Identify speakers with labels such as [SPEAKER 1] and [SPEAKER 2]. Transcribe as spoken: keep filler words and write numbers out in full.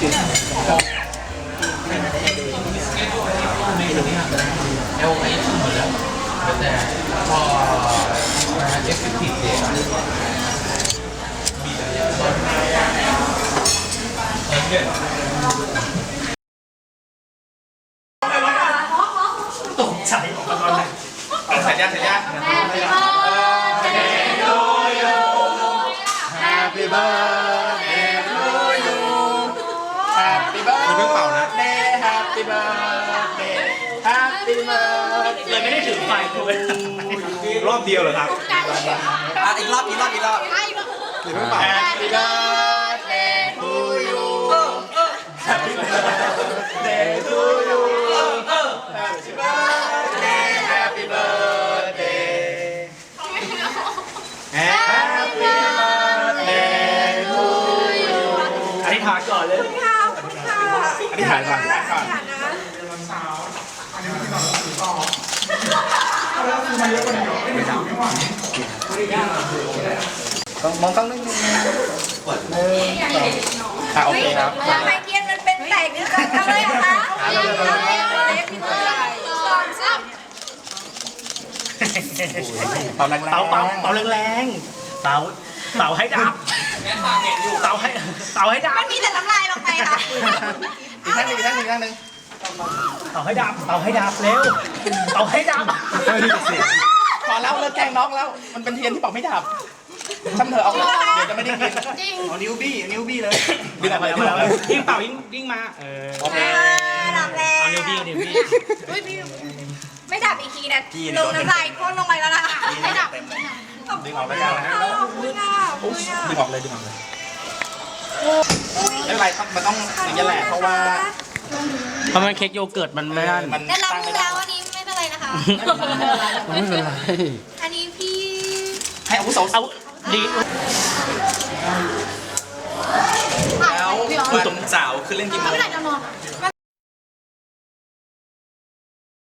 [SPEAKER 1] เอลไอหมดแล้วแต่พอเอฟเฟกติฟเนี่ยมีแต่เยอะตกใจออกมาตอนไหนถ่ายยากถ่ายยาก
[SPEAKER 2] Happy birthday to you Happy birthday Happy birthday Happy birthday
[SPEAKER 1] เลยไม่ได้ถือไฟเลย
[SPEAKER 2] รอบเดียวเหรอครับอ่ะอีกรอบอีกรอบอีกรอบหรือไม่เปล่า Happy birthday to you Happy birthday to you Happy birthday Happy birthday Happy birthday to you
[SPEAKER 1] อธิษฐานก่อนเลย
[SPEAKER 2] อธิษฐานก่อนก่อนต้องมองต้องนิดนึงหนึ่งสองอ่ะโอเคครับ
[SPEAKER 3] ทำไมเทียนมันเป็นแตกด้วยกันเอาเลยเหรอคะเอาเลยเอาเลยเอาเลยพี่เบิร์ดสองสาม
[SPEAKER 2] เป่าแรงๆ
[SPEAKER 1] เป่าเป่าเป่าแรงๆเป่าเป่าให้ดับเป่าให้เป่าให้ดับ
[SPEAKER 3] มันมีแต่น้ำลายลงไปค่ะ
[SPEAKER 2] อีกท่านหนึ่งอีกท่านหนึ่งอีกท่านหนึ่ง
[SPEAKER 1] เป่าให้ดับเป่าให้ดับเร็วเป่าให้ดับ
[SPEAKER 2] พอแล้วเลิกแกล้งน้องแล้ว มันเป็นเทียนที่เป่าไม่ดับช่างเถอะเอาเดี๋ยวจะไม่ได้กินเอานิ้วบี้นิ้วบี้เลยดึงออกมาดึงออกมา
[SPEAKER 1] ยิ่งเป่ายิ่งยิ่งมาเออ
[SPEAKER 2] โอเค
[SPEAKER 3] ดับแล้ว
[SPEAKER 1] เอานิ้วบี้นิ้วบี้
[SPEAKER 3] อุ้ยพี่ไม่ดับอีกทีนะลงน้ำลายพ่นลงไปแล้วนะไม่ดับ
[SPEAKER 2] ดึงออกแล้วกันนะ
[SPEAKER 3] ขอบคุณค่ะขอบคุณค่ะ
[SPEAKER 2] ดึงออกเลยดึงออกเลยไม่เป็นไรครับมันต้องอย่างนี้แหละเพราะว่า
[SPEAKER 1] เพราะมันเค้กโยเกิร์ตมันไม่นั่น
[SPEAKER 2] มัน
[SPEAKER 3] ได้รับ
[SPEAKER 2] ตั้ง
[SPEAKER 3] มื
[SPEAKER 2] ไม่
[SPEAKER 3] อ
[SPEAKER 2] ได้
[SPEAKER 3] แล้วอันนี้ไม่เป็นไรนะคะ
[SPEAKER 1] ไม่เป็นไร
[SPEAKER 3] อันนี้พี่
[SPEAKER 2] ให้อาวุโส
[SPEAKER 1] เอาดี
[SPEAKER 2] แล้ววันเสาร์คือเล่นกี่โมง
[SPEAKER 3] ไม่เป็นไรจะนอน